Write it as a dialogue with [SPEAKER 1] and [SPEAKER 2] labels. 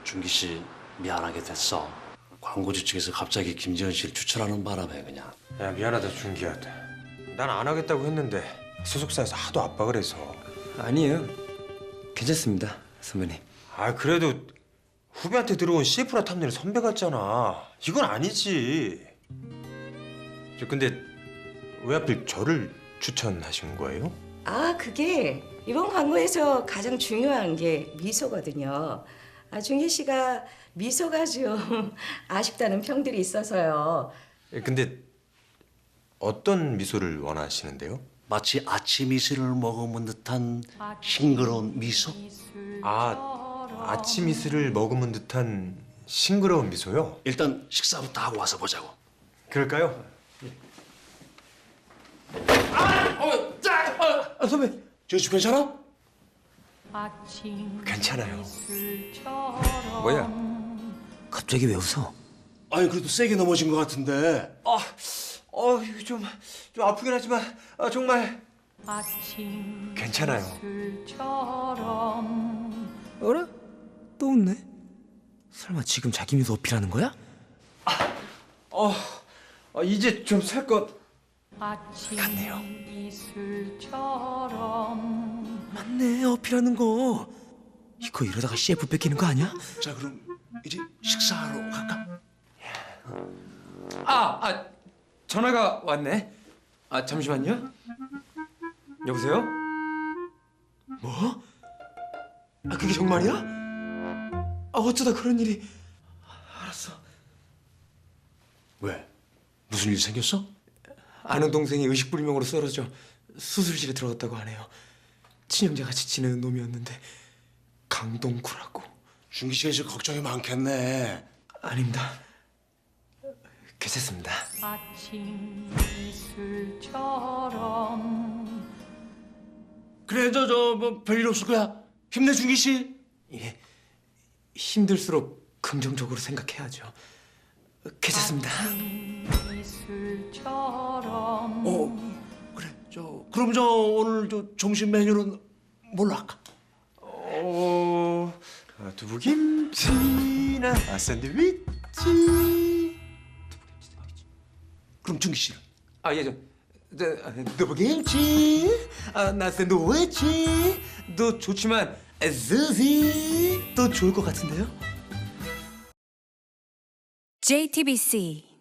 [SPEAKER 1] 준기 씨 미안하게 됐어. 광고주 측에서 갑자기 김지현 씨를 추천하는 바람에 그냥.
[SPEAKER 2] 야 미안하다 준기야. 난 안 하겠다고 했는데 소속사에서 하도 압박을 해서.
[SPEAKER 3] 아니에요. 괜찮습니다, 선배님.
[SPEAKER 2] 아 그래도 후배한테 들어온 CF라 탐내는 선배 같잖아. 이건 아니지. 근데 왜 하필 저를 추천하신 거예요?
[SPEAKER 4] 아, 그게 이번 광고에서 가장 중요한 게 미소거든요. 아, 준기 씨가 미소가 좀 아쉽다는 평들이 있어서요.
[SPEAKER 2] 근데 어떤 미소를 원하시는데요?
[SPEAKER 1] 마치 아침 이슬을 머금은 듯한 싱그러운 미소?
[SPEAKER 2] 아침 이슬을 머금은 듯한 싱그러운 미소요?
[SPEAKER 1] 일단 식사부터 하고 와서 보자고.
[SPEAKER 2] 그럴까요?
[SPEAKER 1] 선배, 저씨 괜찮아?
[SPEAKER 2] 괜찮아요.
[SPEAKER 3] 뭐야? 갑자기 왜 웃어?
[SPEAKER 1] 아니 그래도 세게 넘어진 것 같은데.
[SPEAKER 2] 이거 좀 아프긴 하지만 정말 괜찮아요.
[SPEAKER 3] 어라? 또 웃네? 설마 지금 자기 미소 어필하는 거야?
[SPEAKER 2] 이제 좀 살 것
[SPEAKER 3] 같네요. 맞네, 어필하는 거. 이거 이러다가 CF 뺏기는 거 아니야?
[SPEAKER 1] 자 그럼 이제 식사하러 갈까?
[SPEAKER 3] 전화가 왔네. 잠시만요. 여보세요? 뭐? 그게 정말이야? 어쩌다 그런 일이. 알았어.
[SPEAKER 1] 왜? 무슨 일 생겼어?
[SPEAKER 3] 아는 동생이 의식불명으로 쓰러져 수술실에 들어갔다고 하네요. 친형제같이 지내는 놈이었는데 강동구라고.
[SPEAKER 1] 준기 씨가 이제 걱정이 많겠네.
[SPEAKER 3] 아닙니다. 괜찮습니다.
[SPEAKER 5] 아침 이슬처럼
[SPEAKER 1] 그래 뭐 별일 없을 거야. 힘내 준기 씨.
[SPEAKER 3] 예, 힘들수록 긍정적으로 생각해야죠. 괜찮습니다.
[SPEAKER 5] 이슬처럼
[SPEAKER 1] 그래 그럼 오늘 점심 메뉴는 뭘로 할까?
[SPEAKER 2] 두부김치나 샌드위치.
[SPEAKER 1] 그럼 준기 씨는?
[SPEAKER 3] 두부김치, 나 샌드위치도 좋지만 스시도 좋을 것 같은데요?
[SPEAKER 6] JTBC